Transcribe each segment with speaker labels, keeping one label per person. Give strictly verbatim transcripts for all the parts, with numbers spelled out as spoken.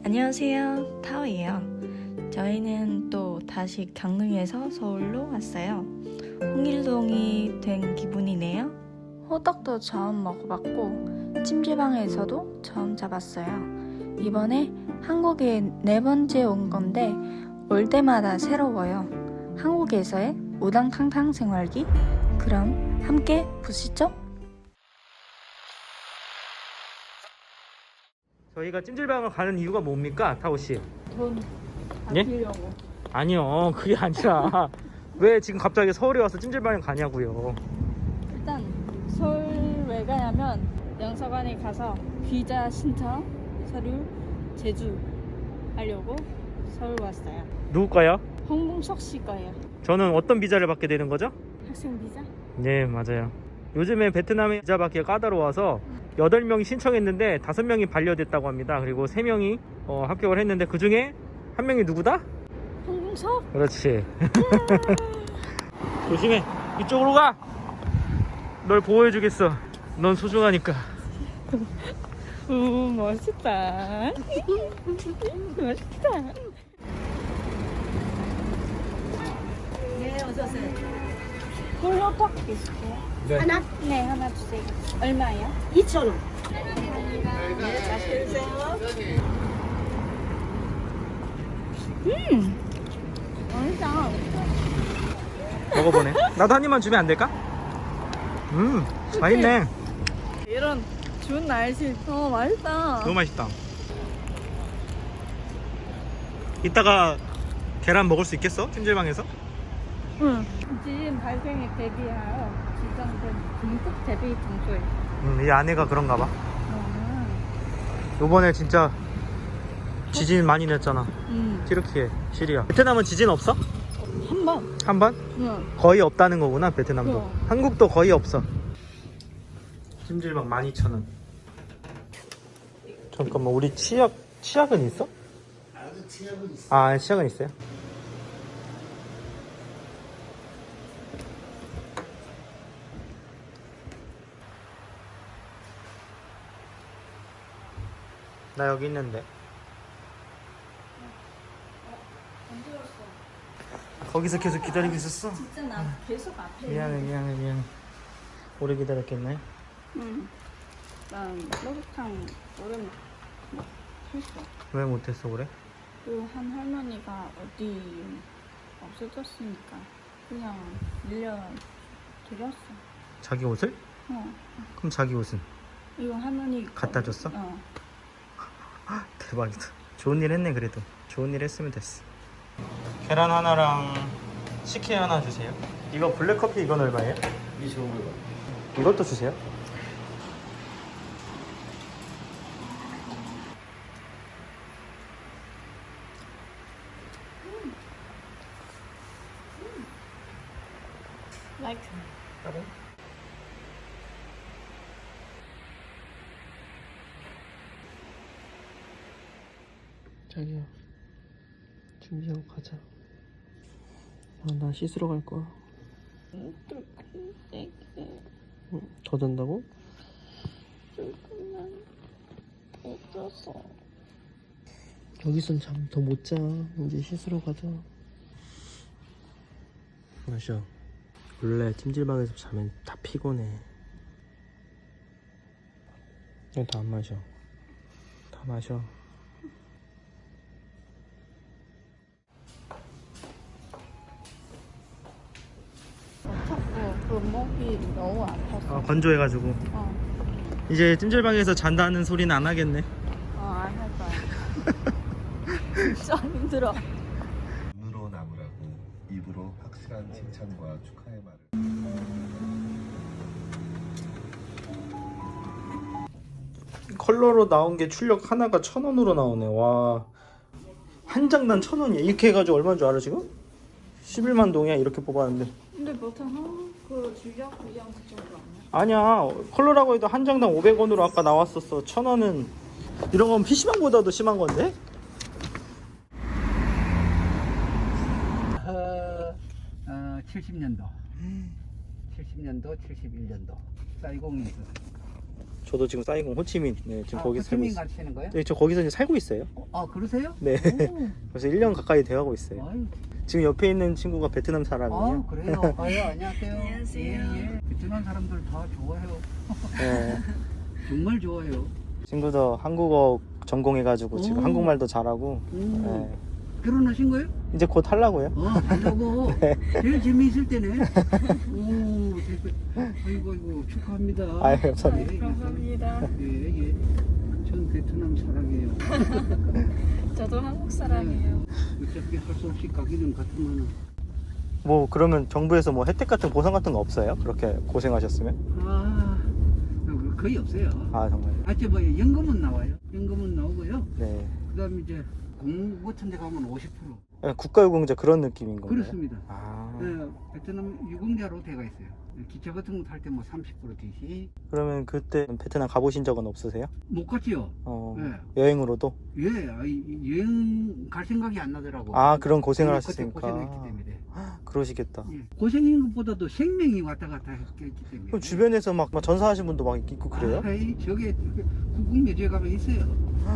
Speaker 1: 안녕하세요, 타오예요. 저희는 또 다시 강릉에서 서울로 왔어요. 홍일동이 된 기분이네요. 호떡도 처음 먹어봤고 찜질방에서도 처음 잡았어요. 이번에 한국에 네 번째 온 건데 올 때마다 새로워요. 한국에서의 우당탕탕 생활기? 그럼 함께 보시죠.
Speaker 2: 저희가 찜질방을 가는 이유가 뭡니까, 타오씨?
Speaker 3: 돈
Speaker 2: 예?
Speaker 3: 아끼려고.
Speaker 2: 아니요, 그게 아니라 왜 지금 갑자기 서울에 와서 찜질방에 가냐고요.
Speaker 3: 일단 서울 왜 가냐면 영사관에 가서 비자 신청 서류 제주 하려고 서울 왔어요.
Speaker 2: 누구 거요?
Speaker 3: 홍봉석 씨 거예요.
Speaker 2: 저는 어떤 비자를 받게 되는 거죠?
Speaker 3: 학생 비자?
Speaker 2: 네, 맞아요. 요즘에 베트남에 비자 받기가 까다로워서 여덟 명이 신청했는데 다섯 명이 반려됐다고 합니다. 그리고 세 명이 어, 합격을 했는데 그 중에 한 명이 누구다?
Speaker 3: 홍봉석?
Speaker 2: 그렇지. 조심해. 이쪽으로 가. 널 보호해주겠어. 넌 소중하니까.
Speaker 3: 우 멋있다. 멋있다. 네, 어서오세요. 홀로떡 있으세요?
Speaker 2: 네.
Speaker 3: 하나? 네, 하나 주세요. 얼마예요?
Speaker 4: 이천 원.
Speaker 3: 네, 맛있게 드세요. 음, 맛있다.
Speaker 2: 먹어보네. 나도 한 입만 주면 안 될까? 음, 맛있네.
Speaker 3: 이런 좋은 날씨. 어, 맛있다.
Speaker 2: 너무 맛있다. 이따가 계란 먹을 수 있겠어? 찜질방에서?
Speaker 3: 응. 지금 발생에 대비하여 지정된 긴급 대비 장소에.
Speaker 2: 음, 이 아내가 그런가 봐.
Speaker 3: 아,
Speaker 2: 요번에 진짜 지진 많이 냈잖아.
Speaker 3: 음.
Speaker 2: 튀르키예, 시리아. 베트남은 지진 없어?
Speaker 3: 한 번.
Speaker 2: 한 번?
Speaker 3: 응.
Speaker 2: 거의 없다는 거구나, 베트남도.
Speaker 3: 어.
Speaker 2: 한국도 거의 없어. 찜질방 만 이천 원. 잠깐만, 우리 치약, 치약은 있어? 아, 치약은 있어요? 나 여기 있는데. 거기서 계속 기다리고 있었어?
Speaker 3: 진짜 나 계속 앞에.
Speaker 2: 미안해, 미안해, 미안해. 오래 기다렸겠네.
Speaker 3: 응. 난 목욕탕 오래 못 했어.
Speaker 2: 왜 못했어, 그래?
Speaker 3: 그 한 할머니가 어디 없어졌으니까 그냥 밀려 드렸어.
Speaker 2: 자기 옷을?
Speaker 3: 어.
Speaker 2: 그럼 자기 옷은?
Speaker 3: 이거 할머니 거.
Speaker 2: 갖다 줬어?
Speaker 3: 어.
Speaker 2: 대박이다. 좋은 일 했네, 그래도. 좋은 일 했으면 됐어. 계란 하나랑 식혜 하나 주세요. 이거 블랙커피 이건 얼마예요? 이십오 불. 이것도 주세요.
Speaker 3: Like.
Speaker 2: 자기야, 준비하고 가자. 아, 나 씻으러 갈 거야. 응, 더 잔다고?
Speaker 3: 조금만 없어서.
Speaker 2: 여기선 잠 더 못 자. 이제 씻으러 가자. 마셔. 원래 찜질방에서 자면 다 피곤해. 그냥 다 안 마셔. 다 마셔.
Speaker 3: 자꾸 그 목이 너무 아파서.
Speaker 2: 아, 건조해가지고.
Speaker 3: 어.
Speaker 2: 이제 찜질방에서 잔다는 소리는 안 하겠네.
Speaker 3: 어, 안 할 거야. 진짜 힘들어.
Speaker 5: 눈으로 남으라고 입으로 확실한 칭찬과 축하의 말을.
Speaker 2: 컬러로 나온 게 출력 하나가 천 원으로 나오네. 와, 한 장당 천 원이야. 이렇게 해가지고 얼마인 줄 알아 지금? 십일만 동이야. 이렇게 뽑았는데.
Speaker 3: 근데 보통 한그 주력 그냥 그 정도 아니야?
Speaker 2: 아니야, 컬러라고 해도 한 장당 오백 원으로 아까 나왔었어. 천 원은 이런 건 피시방보다도 심한 건데?
Speaker 4: 어, 어, 칠십 년도 칠십 년도 칠십일 년도 쌀공에서
Speaker 2: 저도 지금 사이공 호치민 네, 지금
Speaker 4: 아,
Speaker 2: 거기 살고
Speaker 4: 호치민
Speaker 2: 있어요.
Speaker 4: 가시는 거예요?
Speaker 2: 네, 저 거기서 이제 살고 있어요.
Speaker 4: 어, 아 그러세요?
Speaker 2: 네.
Speaker 4: 오.
Speaker 2: 그래서 일 년 가까이 되어가고 있어요.
Speaker 4: 아유,
Speaker 2: 지금 옆에 있는 친구가 베트남 사람이에요.
Speaker 4: 아 그래요? 아유 안녕하세요.
Speaker 1: 안녕하세요.
Speaker 4: 예, 예. 베트남 사람들 다 좋아해요.
Speaker 2: 네.
Speaker 4: 정말 좋아해요.
Speaker 2: 친구도 한국어 전공해가지고 지금
Speaker 4: 오.
Speaker 2: 한국말도 잘하고
Speaker 4: 오.
Speaker 2: 네.
Speaker 4: 결혼하신 거예요?
Speaker 2: 이제 곧 하려고요.
Speaker 4: 어, 하려고.
Speaker 2: 네.
Speaker 4: 제일 재미있을 때네. 오, 대표. 아이고, 아이고, 축하합니다.
Speaker 2: 아유, 감사합니다.
Speaker 4: 예,
Speaker 1: 감사합니다.
Speaker 4: 예, 예. 전 베트남 사랑해요.
Speaker 1: 저도 한국 사람이에요.
Speaker 4: 어차피 할 수 없이 가기는 같으면.
Speaker 2: 뭐 그러면 정부에서 뭐 혜택 같은 보상 같은 거 없어요? 그렇게 고생하셨으면?
Speaker 4: 아, 거의 없어요.
Speaker 2: 아 정말.
Speaker 4: 아, 저 뭐, 연금은 나와요. 연금은 나오고요.
Speaker 2: 네.
Speaker 4: 그 다음에 이제 공무 같은 데 가면 오십 퍼센트.
Speaker 2: 국가유공자 그런 느낌인 건가요?
Speaker 4: 그렇습니다.
Speaker 2: 아.
Speaker 4: 네, 베트남 유공자로 돼가 있어요. 기차 같은 거 탈 때 뭐 삼십 퍼센트 뒤시.
Speaker 2: 그러면 그때 베트남 가보신 적은 없으세요?
Speaker 4: 못 갔지요.
Speaker 2: 어.
Speaker 4: 네.
Speaker 2: 여행으로도?
Speaker 4: 예, 아이, 여행 갈 생각이 안 나더라고.
Speaker 2: 아 그런 고생을
Speaker 4: 네, 그때
Speaker 2: 하셨으니까.
Speaker 4: 고생했기 때문에.
Speaker 2: 그러시겠다.
Speaker 4: 예. 고생인 것보다도 생명이 왔다 갔다 했기 때문에.
Speaker 2: 그럼 주변에서 막, 막 전사하신 분도 막 있고 그래요?
Speaker 4: 아, 이 저게 국궁묘지에 가면 있어요.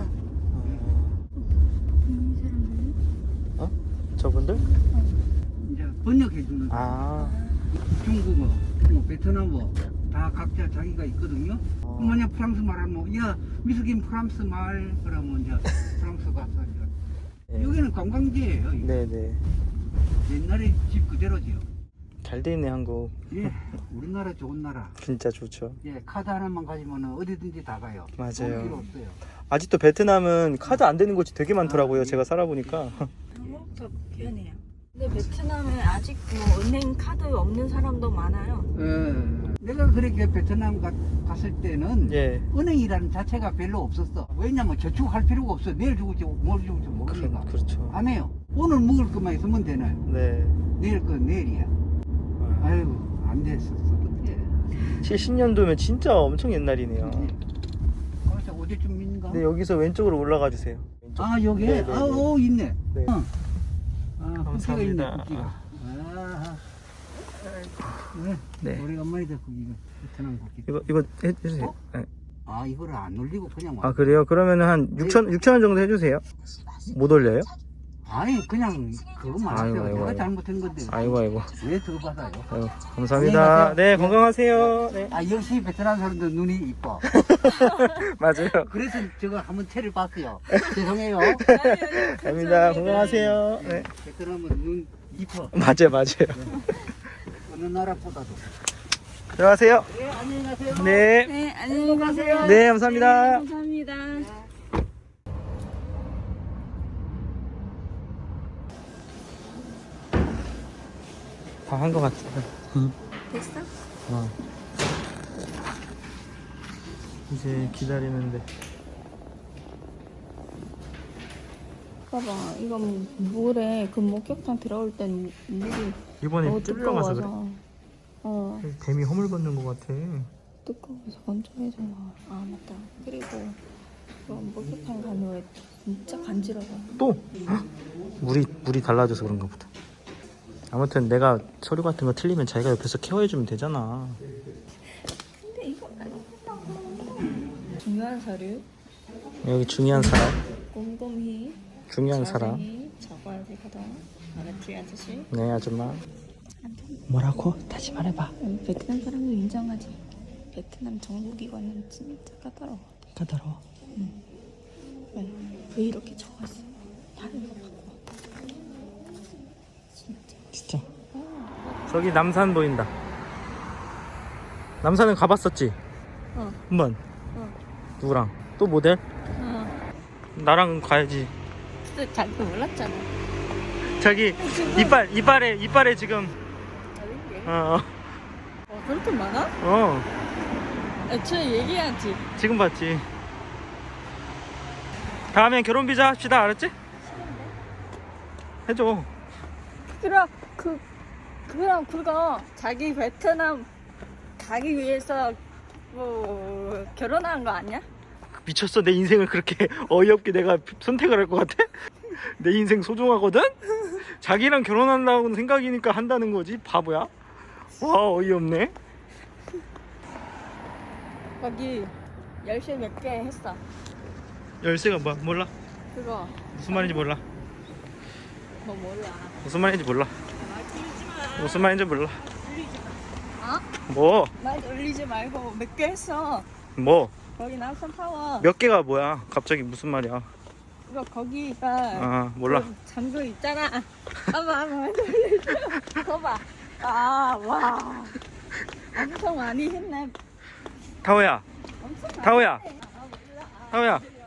Speaker 2: 어? 저분들?
Speaker 4: 이제 번역해 주는
Speaker 2: 아.
Speaker 4: 중국어, 뭐 베트남어 다 각자 자기가 있거든요.
Speaker 2: 어.
Speaker 4: 그럼 만약 프랑스 말하면 야 미숙인 프랑스 말 그러면 이제 프랑스 가서 이제
Speaker 2: 네.
Speaker 4: 여기는 관광지예요. 이게.
Speaker 2: 네네.
Speaker 4: 옛날에 집 그대로지요.
Speaker 2: 잘 돼 있네 한국.
Speaker 4: 예, 우리나라 좋은 나라.
Speaker 2: 진짜 좋죠.
Speaker 4: 예, 카드 하나만 가지면 어디든지 다 가요.
Speaker 2: 맞아요.
Speaker 4: 돈 필요 없어요.
Speaker 2: 아직도 베트남은 카드 안 되는 곳이 되게 많더라고요.
Speaker 4: 아, 예.
Speaker 2: 제가 살아보니까.
Speaker 1: 한국도 편해요. 근데 베트남에 아직 뭐 은행 카드 없는 사람도 많아요.
Speaker 4: 예, 내가 그렇게 베트남 가, 갔을 때는
Speaker 2: 예.
Speaker 4: 은행이라는 자체가 별로 없었어. 왜냐면 저축할 필요가 없어. 내일 죽을지 뭘 죽을지
Speaker 2: 그,
Speaker 4: 모르니까.
Speaker 2: 그렇죠.
Speaker 4: 안 해요. 오늘 먹을 것만 있으면 되네.
Speaker 2: 네.
Speaker 4: 내일 건 내일이야. 아이고 안 됐었어 그때.
Speaker 2: 칠십 년도면 진짜 엄청 옛날이네요.
Speaker 4: 그래서 어제쯤인가?
Speaker 2: 네, 여기서 왼쪽으로 올라가 주세요. 왼쪽.
Speaker 4: 아 여기?
Speaker 2: 네, 네,
Speaker 4: 아,
Speaker 2: 네.
Speaker 4: 오 있네.
Speaker 2: 네.
Speaker 4: 어. 아, 국기가 있네,
Speaker 2: 감사합니다.
Speaker 4: 국기가. 아, 네.
Speaker 2: 네.
Speaker 4: 오래간만이다, 국기가. 베트남 국기.
Speaker 2: 이거 이거 해 주세요.
Speaker 4: 어?
Speaker 2: 네.
Speaker 4: 아, 이거를 안 올리고 그냥 와.
Speaker 2: 아, 그래요? 그러면 한 육천 육천 원 정도 해 주세요. 못 올려요?
Speaker 4: 아니, 그냥 그것만
Speaker 2: 아이고,
Speaker 4: 하세요.
Speaker 2: 아이고,
Speaker 4: 내가
Speaker 2: 아이고.
Speaker 4: 잘못한 건데.
Speaker 2: 아이고 아이고.
Speaker 4: 왜 더 받아요?
Speaker 2: 아이고 감사합니다. 네, 건강하세요. 네.
Speaker 4: 아, 역시 베트남 사람들 눈이 이뻐.
Speaker 2: 맞아요.
Speaker 4: 그래서 저거 한번 채를 봤어요. 죄송해요.
Speaker 2: 감사합니다. 건강하세요. 네.
Speaker 4: 베트남은 눈 이뻐.
Speaker 2: 맞아요, 맞아요.
Speaker 4: 어느 나라보다도.
Speaker 2: 들어가세요.
Speaker 4: 네, 안녕히 가세요.
Speaker 2: 네.
Speaker 1: 네, 안녕히 가세요.
Speaker 2: 네, 감사합니다.
Speaker 1: 감사합니다.
Speaker 2: 다 한 것 같아.
Speaker 1: 됐어?
Speaker 2: 어. 이제 기다리는데.
Speaker 1: 봐봐, 이건 물에 그 목욕탕 들어올 땐 물이
Speaker 2: 이번에
Speaker 1: 너무
Speaker 2: 뚫려가서 그래.
Speaker 1: 뜨거워서 어
Speaker 2: 뱀이 허물 벗는 것 같아.
Speaker 1: 뜨거워서 건조해져. 아 맞다. 그리고 그 목욕탕 가면 왜 진짜 간지러워.
Speaker 2: 또 물이 물이 달라져서 그런가 보다. 아무튼 내가 서류 같은 거 틀리면 자기가 옆에서 케어해주면 되잖아.
Speaker 1: 근데 이거 안 한다고. 중요한 서류
Speaker 2: 여기 중요한 사람,
Speaker 1: 꼼꼼히
Speaker 2: 중요한 사람.
Speaker 1: 자세히 적어야 되거든. 알았지 아저씨?
Speaker 2: 네, 아줌마. 뭐라고? 다시 말해봐.
Speaker 1: 응, 베트남 사람도 인정하지. 베트남 정부기관은 진짜 까다로워.
Speaker 2: 까다로워.
Speaker 1: 왜, 왜 이렇게 적었어? 다른 거 바꿔. 진짜.
Speaker 2: 진짜. 저기 남산 보인다. 남산은 가봤었지?
Speaker 1: 어.
Speaker 2: 한 번.
Speaker 1: 어.
Speaker 2: 누구랑? 또 모델?
Speaker 1: 어.
Speaker 2: 나랑 가야지.
Speaker 1: 진짜 자기도 몰랐잖아.
Speaker 2: 저기 이빨 이빨에 이빨에 지금. 어.
Speaker 1: 어, 그렇게 많아?
Speaker 2: 어.
Speaker 1: 애초에 얘기하지.
Speaker 2: 지금 봤지. 다음엔 결혼 비자 합시다. 알았지? 해줘.
Speaker 1: 그럼 그 그럼 그거 자기 베트남 가기 위해서 뭐 결혼한 거 아니야?
Speaker 2: 미쳤어. 내 인생을 그렇게 어이없게 내가 선택을 할 것 같아? 내 인생 소중하거든? 자기랑 결혼한다고 생각이니까 한다는 거지. 바보야. 와, 어이없네.
Speaker 1: 거기 열쇠 몇 개 했어.
Speaker 2: 열쇠가 뭐야? 몰라.
Speaker 1: 그거
Speaker 2: 무슨 말인지 몰라.
Speaker 1: 뭐 몰라.
Speaker 2: 무슨 말인지 몰라. 무슨 말인지 몰라.
Speaker 1: 어?
Speaker 2: 뭐?
Speaker 1: 말 올리지 말고 몇 개 했어.
Speaker 2: 뭐?
Speaker 1: 거기 남산 타워.
Speaker 2: 몇 개가 뭐야? 갑자기 무슨 말이야?
Speaker 1: 이거 거기가
Speaker 2: 아 몰라.
Speaker 1: 그 잠금 있잖아. 아마 아마 올리지. 그거 봐. 아 와. 엄청 많이 했네.
Speaker 2: 타오야.
Speaker 1: 엄청 많이
Speaker 2: 타오야.
Speaker 1: 했네. 아, 몰라. 아,
Speaker 2: 타오야.